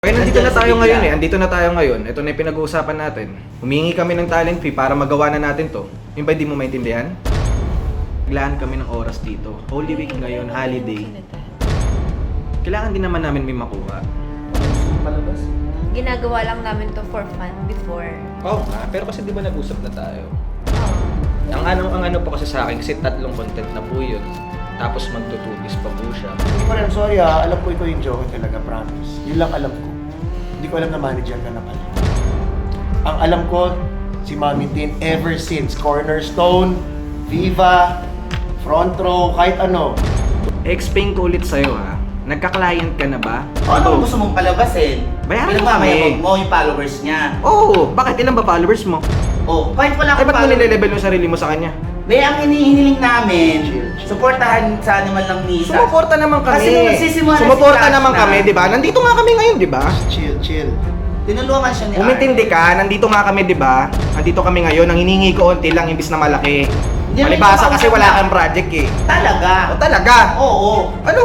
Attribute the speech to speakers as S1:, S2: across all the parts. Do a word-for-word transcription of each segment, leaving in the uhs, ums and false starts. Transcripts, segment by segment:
S1: Okay, nandito na tayo ngayon eh. Andito na tayo ngayon. Ito na yung pinag-uusapan natin. Humingi kami ng talent fee para magawa na natin to. Yung ba di mo maintindihan? Naglaan kami ng oras dito. Holy Week ngayon, holiday. Kailangan din naman namin may makuha.
S2: Palabas?
S3: Ginagawa lang namin to for fun before.
S1: Oo nga, pero kasi di ba nag-usap na tayo?
S3: Oh.
S1: Ang ano, ang ano po kasi sa akin, kasi tatlong content na po yun. Tapos magtutubis pa po siya.
S2: Hindi ko alam, sorry ah. Alam ko ikaw yung joke talaga, promise. Yun lang alam ko. Hindi ko alam na manager ka na pala. Ang alam ko, si Mami Tin ever since Cornerstone, Viva, Front Row, kahit ano.
S1: Explain ko ulit sa'yo ha. Nagka-client ka na ba?
S4: O ano kung gusto mong palabasin?
S1: Bayaran mo
S4: Pinagmamayabang
S1: kami.
S4: mo yung followers niya.
S1: Oo! Bakit? Ilan ba followers mo?
S4: O, kahit wala
S1: Ay,
S4: akong
S1: ba't mo
S4: followers.
S1: nilelevel yung sarili mo sa kanya?
S4: Be, ang hinihiniling namin,
S2: Chill, chill.
S4: supportahan sa naman lang ni Sas.
S1: Sumuporta naman kami.
S4: Kasi nung nagsisimula na
S1: Sumuporta
S4: si Sas
S1: naman
S4: na-
S1: kami, di ba? Nandito nga kami ngayon, di ba?
S2: Chill, chill.
S4: Tinulungan siya ni
S1: Umintindi ka, nandito nga kami, di ba? Nandito kami ngayon, ang hiningi ko onti lang imbis na malaki.
S4: Hindi,
S1: Malibasa
S4: may
S1: kasi
S4: ikaw
S1: wala
S4: na.
S1: kang project eh.
S4: Talaga?
S1: O talaga?
S4: Oo.
S1: Ano?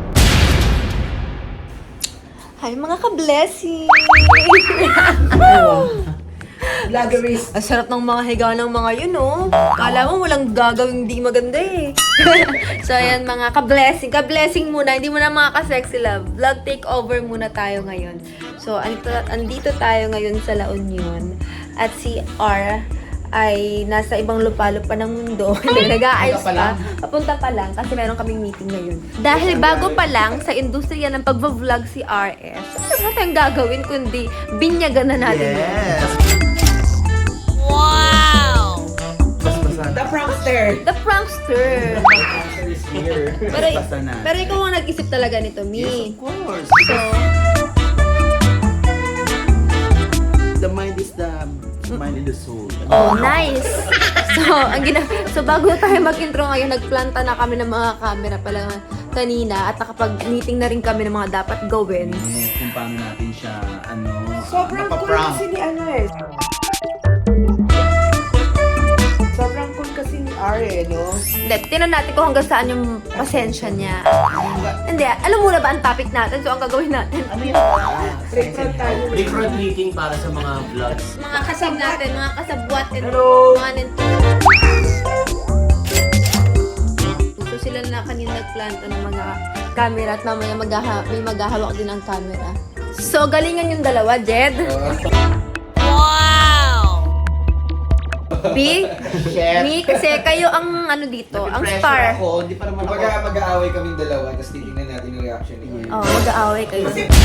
S3: Hi mga ka-blessing!
S4: Vloggeries.
S3: Ang sarap ng mga higa ng mga yun, oh. Kala mo walang gagawing di maganda eh. So ayan mga ka-blessing. Ka-blessing muna, hindi muna mga ka-sexy love. Vlog takeover muna tayo ngayon. So andito, andito tayo ngayon sa La Union. At si R ay nasa ibang lupalop pa ng mundo. Hindi, nag-aayos
S4: pa
S3: pa.
S4: lang.
S3: Papunta pa lang kasi meron kaming meeting ngayon. Dahil bago pa lang sa industriya ng pagbablog si R S, ano na tayong gagawin kundi binyagan na natin yun.
S4: Yes. The prankster.
S3: The prankster.
S4: The prankster is here.
S3: Pero,
S4: Basta na.
S3: pero ikaw ang nag-isip talaga nito,
S4: Yes,
S3: Mi.
S4: of course.
S3: So,
S4: The mind is the mind in the soul.
S3: oh, nice. So, ang gina so bago tayo mag-intro ngayon, nagplanta na kami ng mga camera pala kanina at nakapag-meeting na rin kami ng mga dapat gawin.
S4: Yes, kung paano natin siya, ano,
S5: Sobrang cool
S4: mapaprank.
S5: kasi ni ano eh. Sobrang cool kasi ni R eh, no?
S3: Hindi, tinan natin kung hanggang saan yung pasensya niya. Hindi, alam mo na ba ang topic natin? So, ang gagawin natin,
S4: Ano yun?
S5: Recruit tayo.
S4: Recruit meeting para sa mga vlogs.
S3: mga kasab natin, mga kasabwat and
S5: Hello.
S3: mga nento. So, sila na kanina nagplanta ng mga camera at mamaya maghaha may maghahawak din ng camera. So, galingan yung dalawa, Jed. B,
S4: Chef.
S3: Mi, kasi kayo ang ano dito, ang
S4: Napipressure
S3: star.
S4: Ako, hindi pa naman ako.
S1: Kumbaga mag-aaway kaming dalawa, tapos titignan natin yung reaction ni Kuya.
S3: Oh, mag-aaway kayo.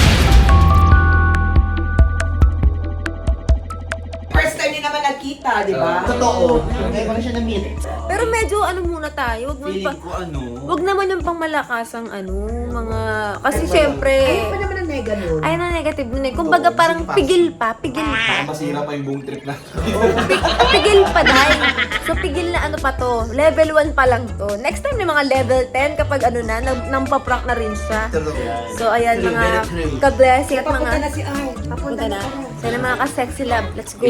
S5: First time din naman nagkita, di ba?
S4: Totoo. Ngayon ko na siya na-meet.
S3: Pero medyo ano muna tayo, wag mo
S4: Feeling
S3: pa,
S4: ko ano.
S3: wag naman yung pangmalakasang ano, mga, kasi syempre,
S5: Ayaw pa naman ang nega nun.
S3: ayun ang negative nun eh. Kumbaga
S4: Oo,
S3: parang
S4: sige pa.
S3: pigil pa, pigil pa.
S1: Masira pa yung buong trip na.
S3: Pig- pigil pa dahil. So pigil na ano pa to, level one pa lang to. Next time yung mga level ten kapag ano na, nang, nang paprank na rin siya. So ayan
S4: True,
S3: mga
S4: very true.
S3: ka-blessing at
S5: Papunta
S3: mga,
S5: na si R.
S3: papunta na. Sana mga ka-sexy love, let's go.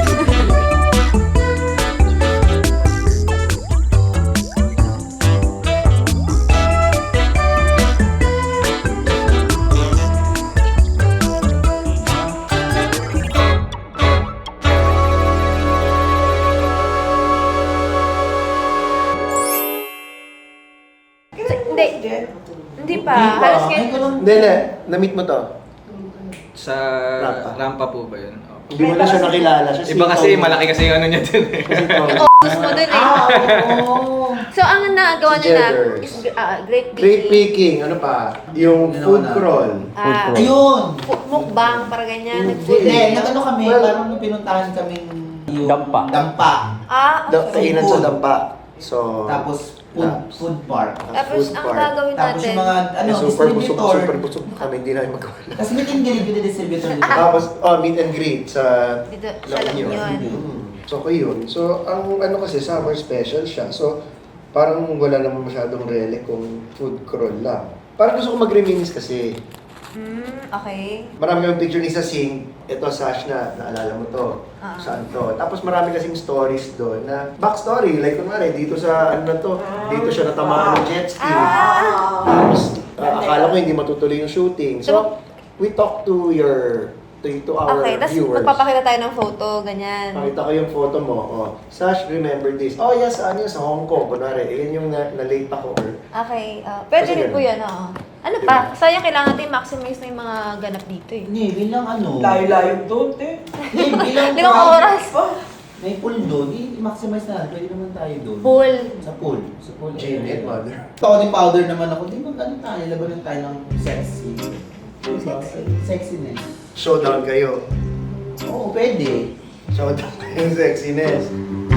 S3: Hindi, hindi pa. Halos
S4: Ay,
S3: ngayon.
S4: ganun.
S2: Hindi, hindi. Na-meet mo to.
S1: Sa
S2: Rampa.
S1: rampa po ba yun? Oh.
S2: Hindi mo na siya nakilala. Siya
S1: Iba
S2: si
S1: kasi,
S2: Tom.
S1: malaki kasi yung ano niya dun eh.
S2: Kasi Tom.
S3: Focus mo dun eh.
S4: Ah, oo.
S3: So, ang nagawa
S2: Si
S3: niya na
S2: Jedders.
S3: is ah, great
S2: Great
S3: picking.
S2: picking. Ano pa? Yung
S4: Ginawa
S2: food
S4: na.
S2: crawl.
S3: Ah,
S4: Ayun.
S3: fu- mukbang, para ganyan.
S2: Mm,
S3: Nag-food.
S4: Hindi, nag-ano kami,
S2: Well,
S4: parang nung pinuntahan kaming yung
S6: Dampa.
S4: Dampa.
S3: Ah,
S2: Da-
S3: okay.
S2: Kainan sa dampa. So,
S4: Tapos food,
S2: Ah.
S4: food park.
S2: ah,
S3: Tapos,
S2: food
S3: ang
S2: park.
S3: gagawin
S4: Tapos
S3: natin,
S4: yung mga ano,
S2: Eh, super busog,
S4: distributor.
S2: super busog kami. Hindi namin magawa.
S4: Kasi meet and greet with the distributor dito.
S2: Tapos, oh, meet and greet sa
S3: dito
S2: La
S3: sa La
S2: Union.
S3: Union.
S2: Mm. So, ko yun. So, ang ano kasi, summer special siya. So, parang wala naman masyadong relic kung food crawl lang. Parang gusto ko mag-reminisce kasi.
S3: Hmm, okay.
S2: Marami yung picture ni Sasing. Ito, Sash na, naalala mo to.
S3: Ah.
S2: Saan to? Tapos marami kasing stories doon na backstory. Like, kunwari, dito sa ano na to, dito siya natamaan ng jet ski.
S3: Ah!
S2: Tapos, ah, akala ko hindi matutuloy yung shooting. So, we talk to your, to, to our
S3: Okay, tapos
S2: viewers.
S3: magpapakita tayo ng photo, ganyan.
S2: Pakita ko yung photo mo. Oh, Sash, remember this. Oh, yes, ano yun, sa Hong Kong. Kunwari, yun yung na- na-late ako. Or,
S3: Okay, ah, pwede
S2: Kasi
S3: rin po
S2: ganun.
S3: yan, oo. Ano
S2: Diba?
S3: pa? Sayang kailangan natin maximize na yung mga ganap dito eh.
S4: Hindi, bilang ano.
S5: Layo-layo doon, te.
S4: Hindi, bilang
S3: Limang oras.
S4: May pool doon, i-maximize na. Pwede naman tayo doon.
S3: Pool.
S4: Sa pool. Sa pool.
S2: Janet, mother.
S4: Tony powder naman ako. Di mag ano tayo, labanan tayo ng sexy.
S3: Sexy.
S4: Sexiness.
S2: Showdown kayo.
S4: Oo, pwede.
S2: Showdown kayo yung sexiness.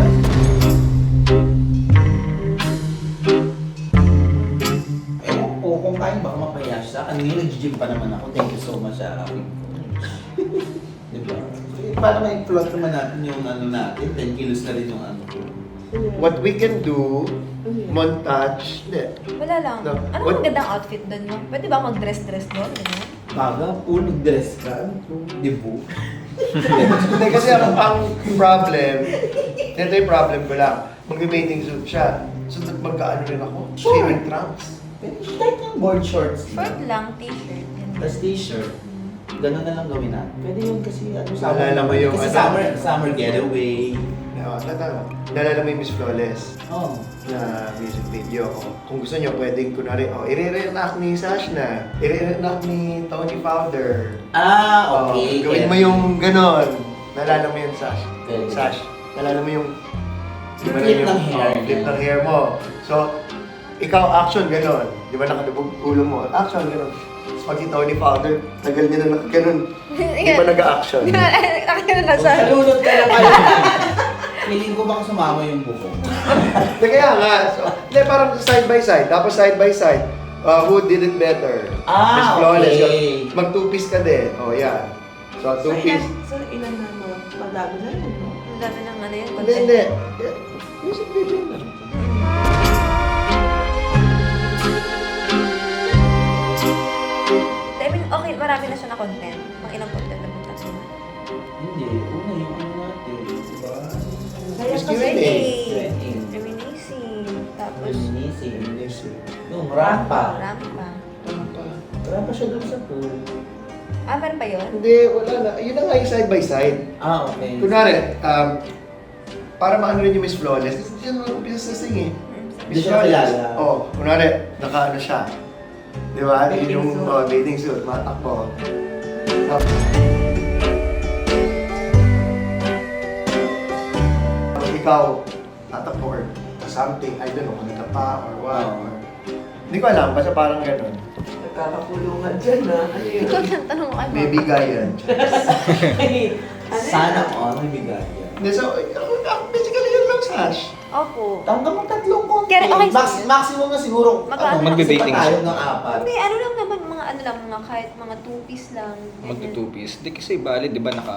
S4: Ewan ko, kung kaya baka mapaya siya. Kanina nag-gym pa naman ako. Thank you so much, Arawi. Diba? Eh, para may plot naman natin yung ano natin. ten kilos na rin yung ano ko.
S2: What we can do, montage, hindi.
S3: Wala lang.
S2: No.
S3: Ano
S2: What-
S3: ang gandang outfit doon mo? Pwede ba mag-dress-dress doon? Ganyan?
S4: Baga, pool, nag-dress ka. Dibu.
S2: Hindi kasi ang, ang problem, ito yung problem ko lang. Mag-bathing suit siya. So, magkaano rin ako? Swimming trunks.
S4: Pwede kahit yung board shorts.
S3: Short lang, t-shirt. Ganyan.
S4: Tapos t-shirt. Ganun na lang gawin natin. Pwede yun kasi ano
S2: Naalala mo yung
S4: kasi
S2: ano?
S4: summer, summer getaway.
S2: Oo, tata. Nalala mo yung Miss Flawless
S4: Oh.
S2: na music video. O, kung gusto nyo, pwedeng kunwari, oh, i-re-reenact ni Sash na. I-re-reenact ni Tony Powder.
S4: Ah,
S2: Oh,
S4: okay.
S2: gawin mo yung ganon. Nalala mo yun, Sash.
S4: Pwede.
S2: Sash, nalala mo yung...
S4: Yung
S2: na
S4: flip ng hair.
S2: oh, flip ng hair mo. So, ikaw action ganon. Di ba nakalubog ulo mo? Action ganon. Tapos pag si Tony Powder, tagal niya na nakaganon. Di ba nag-action?
S3: Nakita na siya.
S4: Salunod ka lang kayo. Feeling ko baka sumama yung buko.
S2: Hindi, kaya nga. So, hindi, parang side by side. Tapos side by side. Uh, who did it better?
S4: Ah,
S2: Miss Flawless.
S4: okay.
S2: Yun. Mag-two-piece ka din. O, oh, yan. So,
S5: So,
S2: two-piece.
S5: ilan, so, ilan na mo? Madami na yun, no?
S3: Ang dami ng ano yun.
S2: Hindi, hindi. Yeah. Music video lang.
S3: I mean, okay, marami na siya na content. Mga ilang content na punta siya.
S4: Hindi, una yung ano natin, diba?
S3: Kaya
S2: Miss
S3: pa
S2: Q and A.
S3: reminiscing. Reminiscing. Tapos,
S4: Reminiscing.
S2: Music.
S4: Yung rampa.
S3: rampa.
S4: Rampa siya doon sa pool.
S3: Ah, meron pa yun?
S2: Hindi, wala na. Yun na nga yung side by side.
S4: Ah, okay.
S2: Kunwari, um, para maano rin yung Miss Flawless, kasi siya naman umpisa sa sing eh.
S4: Hindi siya kilala.
S2: Oo, oh, kunwari, naka-ano siya. Di ba? Yun
S5: Bathing
S2: yung
S5: suit.
S2: oh, bathing suit, matakbo. Tapos, Pag ikaw, tatakbo or something, I don't know, kung ka pa or what.
S4: Oo.
S2: Or, hindi ko alam, basta parang gano'n.
S5: Nagkakakulungan dyan, ha? Ano yun?
S3: Ikaw na tanong ano?
S2: May bigayan.
S5: Ay, ano
S4: Sana
S5: yan?
S4: all may bigay yan.
S2: Hindi, so, ako, ako, basically yun lang, Sash.
S3: Opo.
S4: Hanggang mag tatlong konti.
S3: Kaya- okay,
S4: Max,
S3: sige.
S4: maximum na siguro.
S3: Magkano?
S4: Ano,
S1: Magbe-bating
S4: magsipa tayo
S1: siya.
S4: ng apat.
S3: Hindi, ano lang naman, mga ano lang, mga kahit mga two-piece lang. ganyan.
S1: Magto-two-piece. Di kasi bali, di ba naka...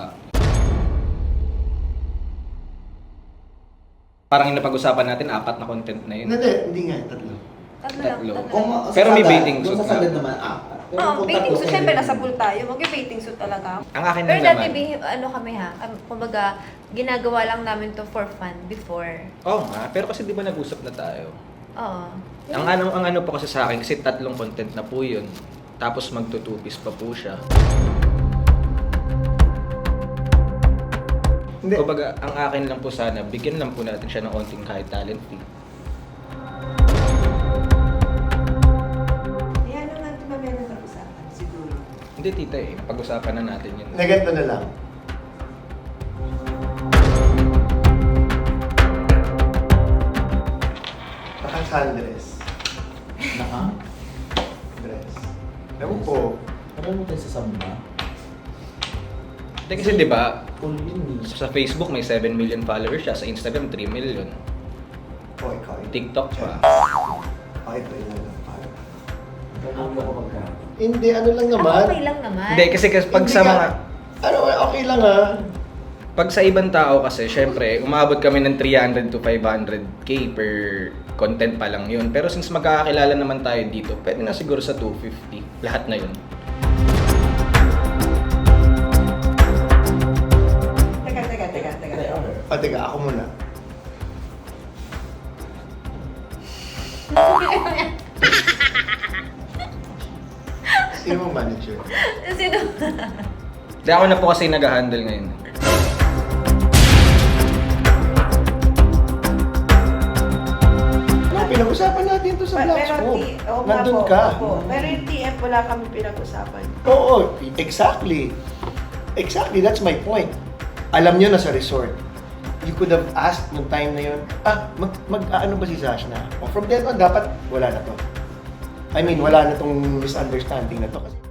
S1: Parang yung napag-usapan natin, apat na content na yun.
S2: Hindi, hindi nga, tatlo.
S3: Tatlo lang,
S1: Tatlo.
S3: tatlo
S4: Kung,
S3: lang.
S1: Pero may
S4: sa
S1: bathing
S4: sagad-
S1: suit
S4: kung sa
S1: na.
S4: sagad naman, apat. Pero
S3: Oo,
S4: kung
S3: bathing
S4: tatlo
S3: suit.
S4: kayo-
S3: Siyempre, nasa pool tayo. Mag-bathing suit talaga.
S1: Ang akin
S3: Pero
S1: lang
S3: dati,
S1: naman.
S3: bihi- ano kami ha, um, kumbaga, ginagawa lang namin to for fun before.
S1: Oo nga, pero kasi di ba nag-usap na tayo?
S3: Oo.
S1: Ang ano, ang ano pa kasi sa akin, kasi tatlong content na po yun. Tapos magto-two-piece pa po siya.
S2: Hindi.
S1: Kumbaga, ang akin lang po sana, bigyan lang po natin siya ng onting kahit talent fee.
S5: Ayan naman, di ba meron na usapan? Siguro.
S1: Hindi tita eh, napag-usapan na natin yun.
S2: Naganto na lang. Naka-sundress.
S4: Naka?
S2: Dress. Ewan ko.
S4: Ano mo tayo sa samba?
S1: Hindi kasi di ba,
S4: Full yun eh.
S1: sa Facebook may seven million followers siya, sa Instagram three million.
S2: Oh, ikaw.
S1: TikTok pa.
S2: Oh, ito yun lang.
S4: Ano ko pagka?
S2: Hindi, ano lang naman.
S3: Ah, okay lang naman.
S1: Hindi kasi kasi pag
S2: Hindi
S1: sa
S2: ka-
S1: mga
S2: Ano, okay lang ha.
S1: pag sa ibang tao kasi, syempre, umabot kami ng three hundred to five hundred k per content pa lang yun. Pero since magkakakilala naman tayo dito, pwede na siguro sa two fifty. Lahat na yun.
S5: Teka, teka, teka, teka.
S4: Try order.
S2: O, teka, ako muna. Sino mo manager?
S3: Sino?
S1: Hindi ako na po kasi nag-handle ngayon.
S2: No, pinag-usapan natin to sa
S5: Pa-
S2: vlogs
S5: pero
S2: ko.
S5: T- oo nga
S2: Nandun
S5: po,
S2: ka.
S5: opo. Pero yung T F, wala kami pinag-usapan.
S2: Oo, exactly. Exactly, that's my point. Alam nyo na sa resort, you could have asked nung time na yun, ah, mag, mag ano ba si Zashna? O from then on, dapat wala na to. I mean, wala na tong misunderstanding na to. Kasi